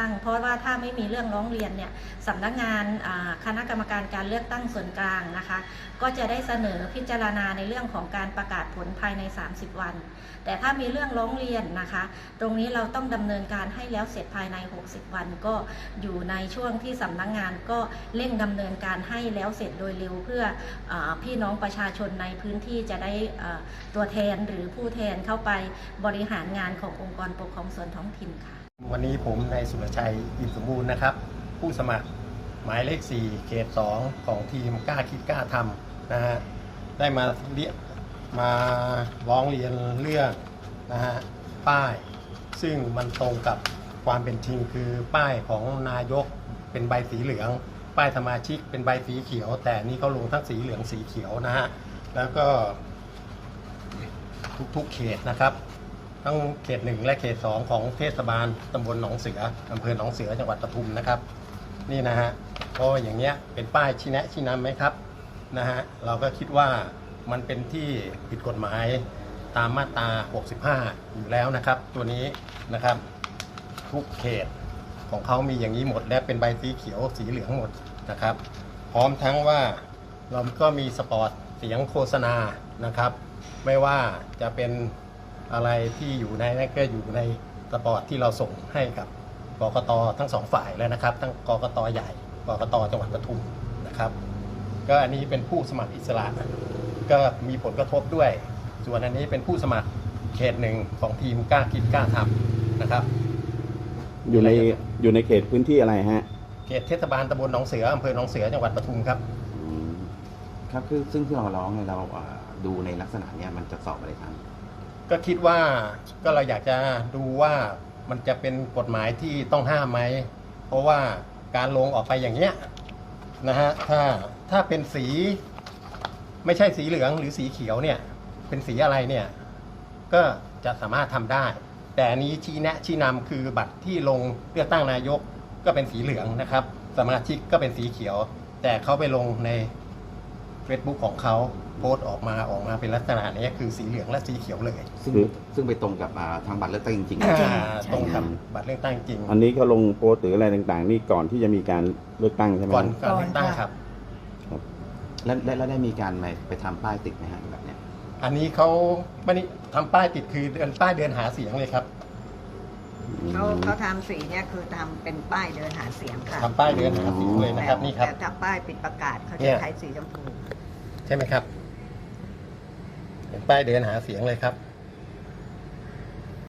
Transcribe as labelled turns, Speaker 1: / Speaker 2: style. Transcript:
Speaker 1: ตั้งเพราะว่าถ้าไม่มีเรื่องร้องเรียนเนี่ยสำนักงานคณะกรรมการการเลือกตั้งส่วนกลางนะคะก็จะได้เสนอพิจารณาในเรื่องของการประกาศผลภายใน30 วันแต่ถ้ามีเรื่องร้องเรียนนะคะตรงนี้เราต้องดำเนินการให้แล้วเสร็จภายใน60 วันก็อยู่ในช่วงที่สำนักงานก็เร่งดำเนินการให้แล้วเสร็จโดยเร็วเพื่อพี่น้องประชาชนในพื้นที่จะได้ตัวแทนหรือผู้แทนเข้าไปบริหารงานขององค์กรปกครองส่วนท้องถิ่นค่ะ
Speaker 2: วันนี้ผมนายสุรชัยอิ่มสมบูรณ์นะครับผู้สมัครหมายเลข4เขต2ของทีมกล้าคิดกล้าทำนะฮะได้มาร้องเรียนเรื่องนะฮะป้ายซึ่งมันตรงกับความเป็นจริงคือป้ายของนายกเป็นใบสีเหลืองป้ายสมาชิกเป็นใบสีเขียวแต่นี่เขาลงทั้งสีเหลืองสีเขียวนะฮะแล้วก็ทุกเขตนะครับทั้งเขต1และเขต2ของเทศบาลตำบลหนองเสืออำเภอหนองเสือจังหวัดปทุมนะครับนี่นะฮะก็อย่างเงี้ยเป็นป้ายชี้แนะชี้นำไหมครับนะฮะเราก็คิดว่ามันเป็นที่ผิดกฎหมายตามมาตรา65อยู่แล้วนะครับตัวนี้นะครับทุกเขตของเขามีอย่างนี้หมดและเป็นใบสีเขียวสีเหลืองหมดนะครับพร้อมทั้งว่าเราก็มีสปอตเสียงโฆษณานะครับไม่ว่าจะเป็นอะไรที่อยู่ในนั่นก็อยู่ในสปอตที่เราส่งให้กับกกต.ทั้ง2ฝ่ายแล้วนะครับทั้งกกต.ใหญ่กกต.จังหวัดปทุมนะครับก็อันนี้เป็นผู้สมัครอิสระก็มีผลกระทบด้วยส่วนอันนี้เป็นผู้สมัครเขต1ของทีมกล้าคิดกล้าทำนะครับ
Speaker 3: อยู่ในเขตพื้นที่อะไรฮะ
Speaker 2: เขตเทศบาลตำบลหนองเสืออำเภอหนองเสือจังหวัดปทุมครับ
Speaker 3: ครับคือซึ่งที่เราร้องเนี่ยเราดูในลักษณะเนี้ยมันจะสอบอะไรครับ
Speaker 2: ก็คิดว่าก็เราอยากจะดูว่ามันจะเป็นกฎหมายที่ต้องห้ามไหมเพราะว่าการลงออกไปอย่างเงี้ยนะฮะถ้าเป็นสีไม่ใช่สีเหลืองหรือสีเขียวเนี่ยเป็นสีอะไรเนี่ยก็จะสามารถทำได้แต่อันนี้ชี้แนะชี้นำคือบัตรที่ลงเลือกตั้งนายกก็เป็นสีเหลืองนะครับสมาชิกก็เป็นสีเขียวแต่เขาไปลงใน Facebook ของเขาโพสต์ออกมาเป็นลักษณะนี้คือสีเหลืองและสีเขียวเลย
Speaker 3: ซึ่งไปตรงกับทางบัตรเลือกตั้งจริง
Speaker 2: ๆตรงกับบัตรเลือกตั้งจริง
Speaker 3: อันนี้เขาลงโพสต์หรืออะไรต่างๆนี่ก่อนที่จะมีการเลือกตั้งใช่ไหม
Speaker 2: ก่อนการเลือกตั้งครับ
Speaker 3: แล้วได้มีการไปทำป้ายติดไหมฮะแบบเนี้ย
Speaker 2: อันนี้เขาไม่ได้ทำป้ายติดคือป้ายเดินหาเสียงเลยครับ
Speaker 4: เขาทำสีเนี่ยคือทำเป็นป้ายเดินหาเสียงค่ะ
Speaker 2: ทำป้ายเดินหาเสียงเลยนะครับนี่ครับ
Speaker 4: แต่ถ้าป้ายปิดประกาศเขาจะใช้สีชมพู
Speaker 2: ใช่ไหมครับเป็นป้ายเดินหาเสียงเลยครับ